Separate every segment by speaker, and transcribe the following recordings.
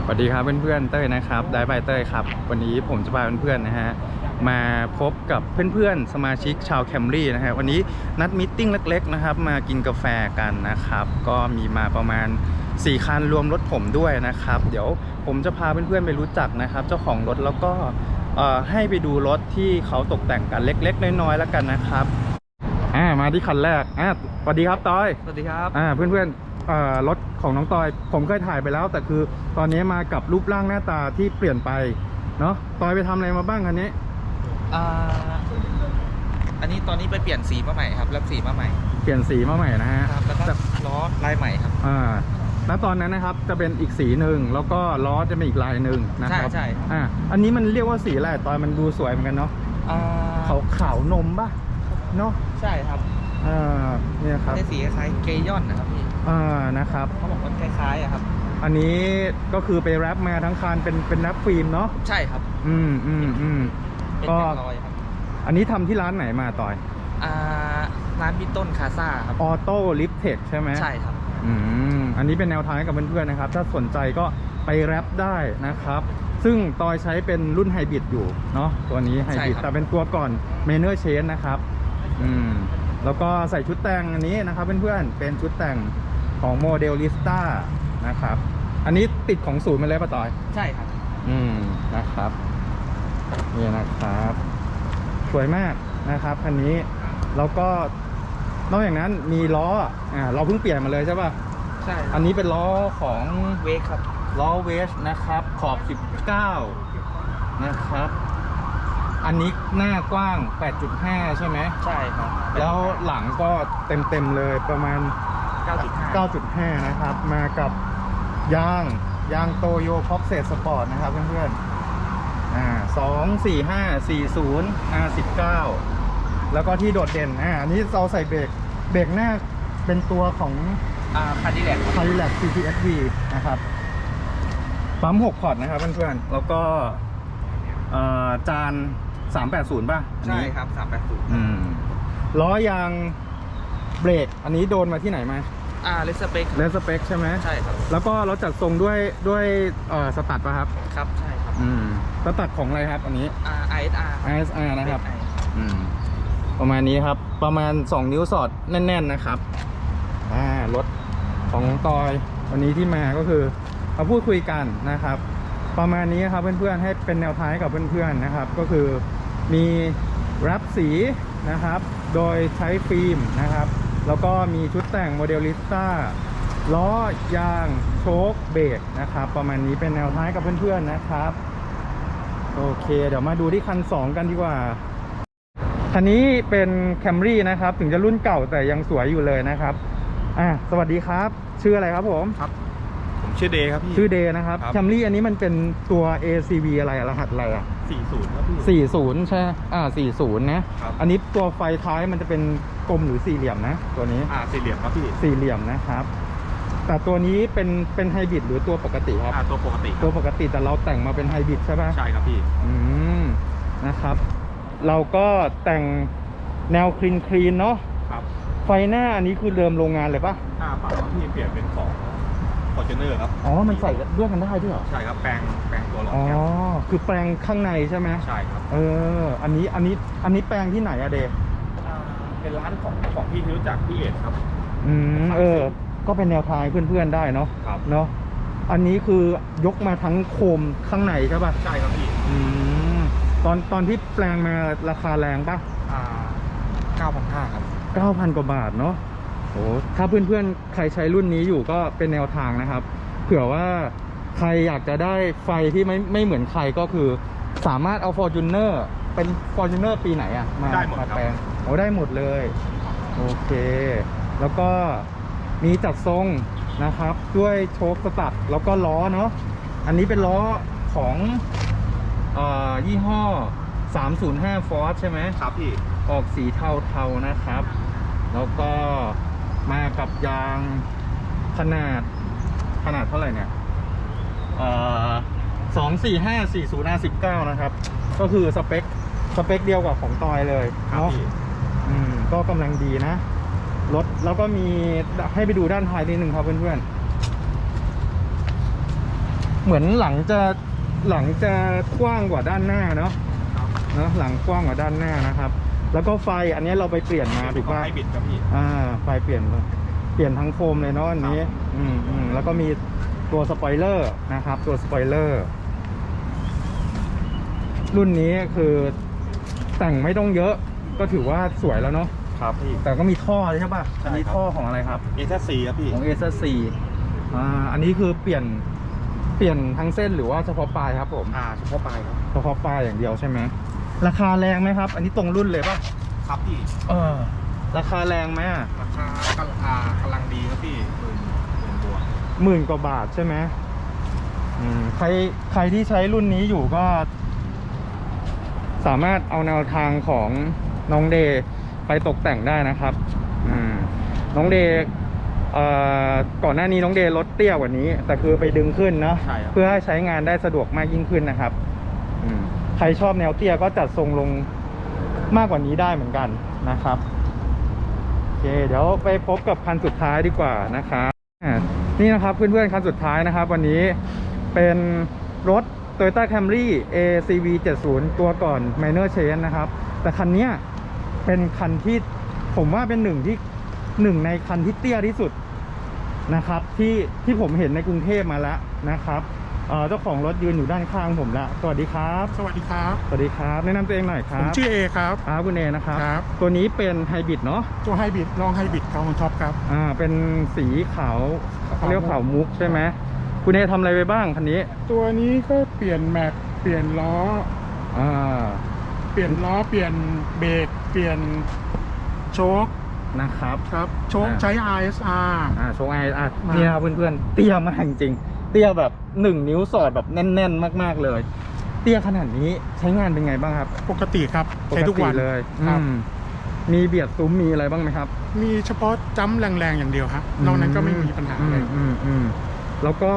Speaker 1: สวัสดีครับเพื่อนๆเต้ยนะครับได้บายเต้ยครับวันนี้ผมจะพาเพื่อนๆนะฮะมาพบกับเพื่อนๆสมาชิกชาวแคมรี่นะฮะวันนี้นัดมิทติ้งเล็กๆนะครับมากินกาแฟกันนะครับก็มีมาประมาณ4คันรวมรถผมด้วยนะครับเดี๋ยวผมจะพาเพื่อนๆไปรู้จักนะครับเจ้าของรถแล้วก็ให้ไปดูรถที่เขาตกแต่งกันเล็กๆน้อยๆแล้วกันนะครับมาที่คันแรกสวัสดีครับต้อย
Speaker 2: สวัสดีครับ
Speaker 1: เพื่อนๆรถของน้องตอยผมเคยถ่ายไปแล้วแต่คือตอนนี้มากับรูปร่างหน้าตาที่เปลี่ยนไปเนาะตอยไปทำอะไรมาบ้างคันนี้
Speaker 2: อันนี้ตอนนี้ไปเปลี่ยนสีมาใหม่ครับรับสีมาใหม่
Speaker 1: เปลี่ยนสีมาใหม่นะฮะ
Speaker 2: ครับแล้วก็ล้อลายใหม่ครับ
Speaker 1: แล้วตอนนั้นนะครับจะเป็นอีกสีหนึ่งแล้วก็ล้อจะเป็นอีกลายหนึ่งนะครับ
Speaker 2: ใช่
Speaker 1: อันนี้มันเรียกว่าสีอะไรตอยมันดูสวยเหมือนกันเนาะขาวนมป่ะเนาะ
Speaker 2: ใช่ครับ
Speaker 1: เนี่ยครับ
Speaker 2: ได้สีคล้ายเกยอนนะครับพี่
Speaker 1: นะครับ
Speaker 2: เขาบอกว่าคล้ายๆครับ
Speaker 1: อันนี้ก็คือไปแรปมาทั้งคันเป็นแรปฟิล์มเนาะ
Speaker 2: ใช่ครับ
Speaker 1: ก็อันนี้ทำที่ร้านไหนมาต่อย
Speaker 2: ร้านบิต้นคาซ่าครับ
Speaker 1: ออโต้ลิฟเทคใช่ไหม
Speaker 2: ใช่ครับ
Speaker 1: อันนี้เป็นแนวทางกับเพื่อนๆนะครับถ้าสนใจก็ไปแรปได้นะครับซึ่งตอยใช้เป็นรุ่นไฮบริดอยู่เนาะตัวนี้ไฮบริดแต่เป็นตัวก่อนเมเนอร์เชนนะครับแล้วก็ใส่ชุดแต่งอันนี้นะครับเพื่อนๆเป็นชุดแต่งของโมเดลลิสต้านะครับอันนี้ติดของศูนย์มาเลยป่ะต่อย
Speaker 2: ใช่ครับ
Speaker 1: นะครับนี่นะครับสวยมากนะครับคันนี้แล้วก็นอกจากนั้นมีล้อเราเพิ่งเปลี่ยนมาเลยใช่ป่ะ
Speaker 2: ใช่
Speaker 1: อันนี้เป็นล้อของ
Speaker 2: เวกครับ
Speaker 1: ล้อเวชนะครับขอบ19นะครับอันนี้หน้ากว้าง 8.5 ใช่ไหม
Speaker 2: ใช่ครับ
Speaker 1: แล้วหลังก็เต็มเลยประมาณ 9.5 นะครับมากับยางโตโยพ็อกเซตสปอร์ตนะครับเพื่อนๆ24540 R19 แล้วก็ที่โดดเด่นอันนี้เราใส่เบรกหน้าเป็นตัวของ
Speaker 2: คาร์ดิแลก
Speaker 1: CTSV นะครับปั๊ม6พอร์ตนะครับเพื่อนๆแล้วก็จาน380ป่ะ
Speaker 2: ใช่ครับ380
Speaker 1: ล้อยางเบรกอันนี้โดนมาที่ไหนมา
Speaker 2: เลสเปค
Speaker 1: ใช่ไหม
Speaker 2: ใช่ครับ
Speaker 1: แล้วก็เราจัดทรงด้วยสตัดป่ะครับ
Speaker 2: ครับใช่ครับ
Speaker 1: สตัดของอะไรครับอันนี้
Speaker 2: ISR
Speaker 1: นะครับประมาณนี้ครับประมาณ2นิ้วสอดแน่นๆนะครับรถของตอยวันนี้ที่มาก็คือมาพูดคุยกันนะครับประมาณนี้ครับเพื่อนๆให้เป็นแนวทางกับเพื่อนๆนะครับก็คือมีแรปสีนะครับโดยใช้ฟิล์มนะครับแล้วก็มีชุดแต่งโมเดลลิสต้าล้อยางโชคเบรกนะครับประมาณนี้เป็นแนวทางกับเพื่อนๆนะครับโอเคเดี๋ยวมาดูที่คัน2กันดีกว่าคันนี้เป็นแคมรี่นะครับถึงจะรุ่นเก่าแต่ยังสวยอยู่เลยนะครับสวัสดีครับชื่ออะไรครับผม
Speaker 2: ครับผมชื่อเดย์ครับพี่
Speaker 1: ชื่อเดย์นะครับแคมรี่อันนี้มันเป็นตัว ACV อะไรรหัสอะไร
Speaker 2: 40ครับพี่
Speaker 1: 40ใช่40นะอันนี้ตัวไฟท้ายมันจะเป็นกลมหรือสี่เหลี่ยมนะตัวนี้
Speaker 2: สี่เหลี่ยมครับพี่
Speaker 1: สี่เหลี่ยมนะครับแต่ตัวนี้เป็นไฮบริดหรือตัวปกติครับ
Speaker 2: ตัวปก
Speaker 1: ติแต่เราแต่งมาเป็นไฮบริดใช่ไหม
Speaker 2: ใช่ครับพี่
Speaker 1: นะครับเราก็แต่งแนวคลีนเนาะ
Speaker 2: ครับ
Speaker 1: ไฟหน้าอันนี้คือเดิมโรงงานเลยป่ะ
Speaker 2: เปล่าพี่เปลี่ยนเป็นของFortuner ครับ
Speaker 1: มันใส่ด้วยกันได้ด้วยเหรอ
Speaker 2: ใช่ครับแปลงตัวหลอด
Speaker 1: คือแปลงข้างในใช่ไหม
Speaker 2: ใช่ครับ
Speaker 1: อันนี้แปลงที่ไหนอะเดย์
Speaker 2: เป็นร้านของพี่ที่รู้จักพี่เอ็ดครับ
Speaker 1: ก็เป็นแนวทางเพื่อนๆได้เนาะ
Speaker 2: ครับ
Speaker 1: เนาะอันนี้คือยกมาทั้งโคมข้างในใช่ป่ะ
Speaker 2: ใช่ครับพี่
Speaker 1: ตอนที่แปลงมาราคาแรงป่ะ
Speaker 2: 9,500 ครับ
Speaker 1: 9,000 กว่าบาทเนาะโอ้ถ้าเพื่อนๆใครใช้รุ่นนี้อยู่ก็เป็นแนวทางนะครับเผื่อว่าใครอยากจะได้ไฟที่ไม่เหมือนใครก็คือสามารถเอา Fortuner เป็น Fortuner ปีไหนมาแปลงได้หมดเลยโอเคแล้วก็มีจัดทรงนะครับด้วยโชคสตัดแล้วก็ล้อเนาะอันนี้เป็นล้อของยี่ห้อ305 Ford ใช่ไหม
Speaker 2: ครับพี่
Speaker 1: ออกสีเทาๆนะครับแล้วก็มากับยางขนาดเท่าไหร่เนี่ย24540 R19 นะครับก็คือสเปคเดียวกับของตอยเลยเนาะก็กำลังดีนะรถแล้วก็มีให้ไปดูด้านท้ายนิดนึงครับเพื่อนๆเหมือนหลังจะกว้างกว่าด้านหน้าเนาะหลังกว้างกว่าด้านหน้านะครับ แล้วก็ไฟอันนี้เราไปเปลี่ยนมาถูกป่ะ
Speaker 2: ไฮบริดครับพี่
Speaker 1: ไฟเปลี่ยนทั้งโคมเลยเนาะอันนี้แล้วก็มีตัวสปอยเลอร์นะครับตัวสปอยเลอร์รุ่นนี้คือแต่งไม่ต้องเยอะก็ถือว่าสวยแล้วเนาะ
Speaker 2: ครับพี่
Speaker 1: แต่ก็มีท่อใช่ป่ะ
Speaker 2: ใช่ครับ
Speaker 1: อันนี้ท่อของอะไรครับ
Speaker 2: เอสซีครับพี่
Speaker 1: ของ A4 อันนี้คือเปลี่ยนทั้งเส้นหรือว่าเฉพาะปลายครับผม
Speaker 2: เฉพาะปลายครับ
Speaker 1: เฉพาะปลายอย่างเดียวใช่ไหมราคาแรงไหมครับ อันนี้ตรงรุ่นเลยป่ะ
Speaker 2: ครับพี่
Speaker 1: ราคาแรงไหมอะ
Speaker 2: ราคากำลังดีครับพี่10,000 บวก
Speaker 1: 10,000 กว่าบาทใช่ไหมใครที่ใช้รุ่นนี้อยู่ก็ สามารถเอาแนวทางของน้องเดย์ไปตกแต่งได้นะครับน้องเดย์ก่อนหน้านี้น้องเดย์ลดเตี้ยกว่านี้แต่คือไปดึงขึ้นเนาะ
Speaker 2: ใช่ครับ
Speaker 1: เพื่อให้ใช้งานได้สะดวกมากยิ่งขึ้นนะครับใครชอบแนวเตี้ยก็จัดทรงลงมากกว่านี้ได้เหมือนกันนะครับโอเคเดี๋ยวไปพบกับคันสุดท้ายดีกว่านะครับนี่นะครับเพื่อนๆคันสุดท้ายนะครับวันนี้เป็นรถ Toyota Camry ACV 70ตัวก่อน Minor Change นะครับแต่คันนี้เป็นคันที่ผมว่าเป็นหนึ่งในคันที่เตี้ยที่สุดนะครับที่ผมเห็นในกรุงเทพมาแล้วนะครับเจ้าของรถยืนอยู่ด้านข้างผมแล้วสวัสดีครับ
Speaker 2: สวัสดีครับ
Speaker 1: สวัสดีครับแนะนำตัวเองหน่อยครั
Speaker 2: ผม
Speaker 1: บ
Speaker 2: ชื่อเอครับ
Speaker 1: คุณเอนะครับ
Speaker 2: ครับ
Speaker 1: ตัวนี้เป็นไฮบริดเนาะ
Speaker 2: ตัวไฮบริดลองไฮบริดของท็อปครับ
Speaker 1: เป็นสีขาวเรียกขาวมุกใช่ไหมคุณเอทำอะไรไปบ้างคันนี้
Speaker 2: ตัวนี้ก็เปลี่ยนแม็กเปลี่ยนล้อ เปลี่ยนล้อเปลี่ยนเบรกเปลี่ยนโชค
Speaker 1: นะครับ
Speaker 2: ครับโชคใช้ RSR
Speaker 1: โชว์ไอนี่นะครับเพื่อนๆเตี้ยมากจริงๆเตี้ยแบบ1 นิ้วสอดแบบแน่นๆมากๆเลยเตี้ยขนาดนี้ใช้งานเป็นไงบ้างครับ
Speaker 2: ปกติครับใช้ทุกวัน
Speaker 1: ปติเลย
Speaker 2: ครับ
Speaker 1: มีเบียดซุ้มมีอะไรบ้างไหมครับ
Speaker 2: มีเฉพาะจ้ำแรงๆอย่างเดียวครับนอกนั้นก็ไม่มีปัญหาเลย
Speaker 1: แล้วก็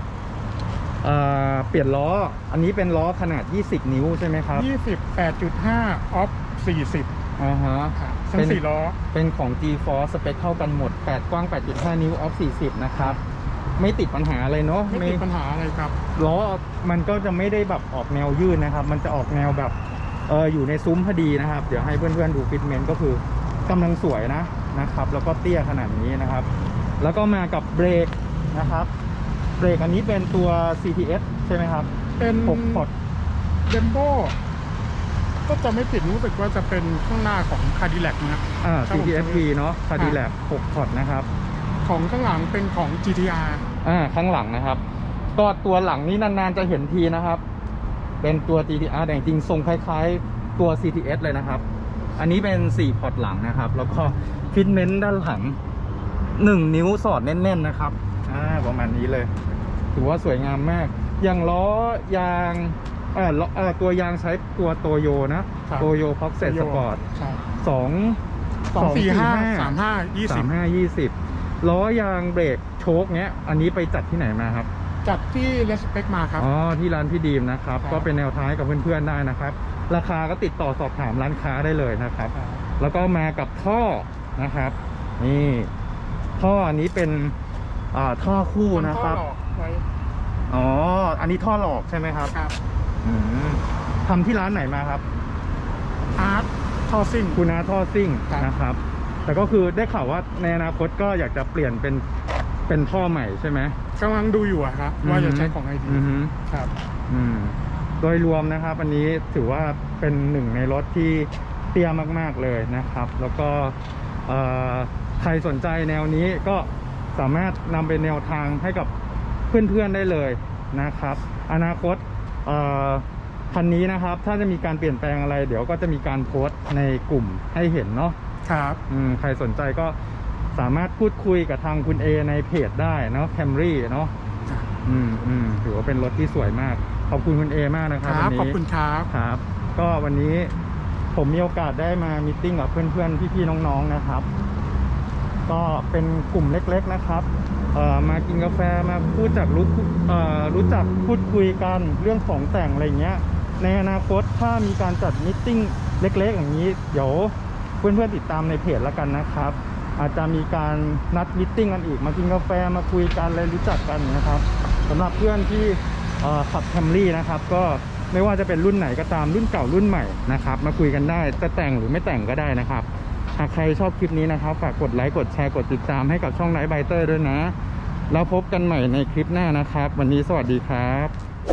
Speaker 1: เปลี่ยนล้ออันนี้เป็นล้อขนาด20 นิ้วใช่ไหมครับ
Speaker 2: 28.5 ออฟ 40
Speaker 1: ฮะ
Speaker 2: ครับทั้
Speaker 1: เป็
Speaker 2: ง
Speaker 1: น
Speaker 2: 4 ล้อ
Speaker 1: เป็นของ G-Force สเปคเท่ากันหมด8กว้าง 8.5 นิ้วออฟ 40นะครับไม่ติดปัญหาอะไรเนาะ
Speaker 2: ไม่ติดปัญหาอะไรครับ
Speaker 1: ล้อมันก็จะไม่ได้แบบออกแนวยืดนะครับมันจะออกแนวแบบอยู่ในซุ้มพอดีนะครับเดี๋ยวให้เพื่อนๆดูฟิตเมนต์ก็คือกำลังสวยนะครับแล้วก็เตี้ยขนาดนี้นะครับแล้วก็มากับเบรกนะครับเบรกอันนี้เป็นตัว CTS ใช่ไหมครับ
Speaker 2: เป็น
Speaker 1: 6 พอร์ต
Speaker 2: เดมโบก็จะไม่ผิดรู้สึกว่าจะเป็นข้างหน้าของคาร์ดิแลกนะ
Speaker 1: CTSV เนาะ Cadillac 6 พอร์ตนะครับ
Speaker 2: ของข้างหลังเป็นของ GTR
Speaker 1: ข้างหลังนะครับก็ตัวหลังนี้นานๆจะเห็นทีนะครับเป็นตัว GTR แต่จริงๆทรงคล้ายๆตัว CTS เลยนะครับอันนี้เป็น4 พอร์ตหลังนะครับแล้วก็ฟิตเมนต์ด้านหลัง1 นิ้วสอดแน่นๆนะครับประมาณนี้เลยถือว่าสวยงามมากอย่างล้อยางตัวยางใช้ตัวโตโยนะโตโยพ็อกเซ็ตสปอร์ต245 ล้อยางเบรกโชคเนี้ยอันนี้ไปจัดที่ไหนมาครับ
Speaker 2: จัดที่เลสเปคมาครับ
Speaker 1: ที่ร้านพี่ดีมนะครับก็เป็นแนวทางให้กับเพื่อนๆได้นะครับราคาก็ติดต่อสอบถามร้านค้าได้เลยนะครับแล้วก็มากับท่อนะครับนี่ท่ออันนี้เป็นท่อคู่นะครับอันนี้ท่อหลอกใช่ไหมครับทำที่ร้านไหนมาครับ
Speaker 2: อาร์ตท่อซิ่ง
Speaker 1: คุณอาท่อซิ่งนะครับแต่ก็คือได้ข่าวว่าในอนาคตก็อยากจะเปลี่ยนเป็นท่อใหม่ใช่ไหม
Speaker 2: กำลังดูอยู่ครับว่าจะใช้ของไอดีครับ
Speaker 1: โดยรวมนะครับอันนี้ถือว่าเป็นหนึ่งในรถที่เตี้ยมากๆเลยนะครับแล้วก็ใครสนใจแนวนี้ก็สามารถนำเป็นแนวทางให้กับเพื่อนๆได้เลยนะครับอนาคตคันนี้นะครับถ้าจะมีการเปลี่ยนแปลงอะไรเดี๋ยวก็จะมีการโพสต์ในกลุ่มให้เห็นเนาะ
Speaker 2: ครับ
Speaker 1: ใครสนใจก็สามารถพูดคุยกับทางคุณเอในเพจได้เนาะ Camry เนาะถือว่าเป็นรถที่สวยมากขอบคุณคุณเอมากนะครับวันนี้
Speaker 2: ขอบคุณ
Speaker 1: ครับก็วันนี้ผมมีโอกาสได้มามีตติ้งกับเพื่อนๆพี่ๆน้องๆนะครับก็เป็นกลุ่มเล็กๆนะครับมากินกาแฟมารู้จักพูดคุยกันเรื่องของแต่งอะไรเงี้ยในอนาคตถ้ามีการจัดมีตติ้งเล็กๆอย่างนี้เดี๋ยวเพื่อนๆติดตามในเพจแล้วกันนะครับอาจจะมีการนัดมีตติ้งกันอีกมากินกาแฟมาคุยกันเลยรู้จักกันนะครับสำหรับเพื่อนที่ขับแคมรี่นะครับก็ไม่ว่าจะเป็นรุ่นไหนก็ตามรุ่นเก่ารุ่นใหม่นะครับมาคุยกันได้จะแต่งหรือไม่แต่งก็ได้นะครับหากใครชอบคลิปนี้นะครับฝากกดไลค์กดแชร์กดติดตามให้กับช่องไนท์ไบเตอร์ด้วยนะแล้วพบกันใหม่ในคลิปหน้านะครับวันนี้สวัสดีครับ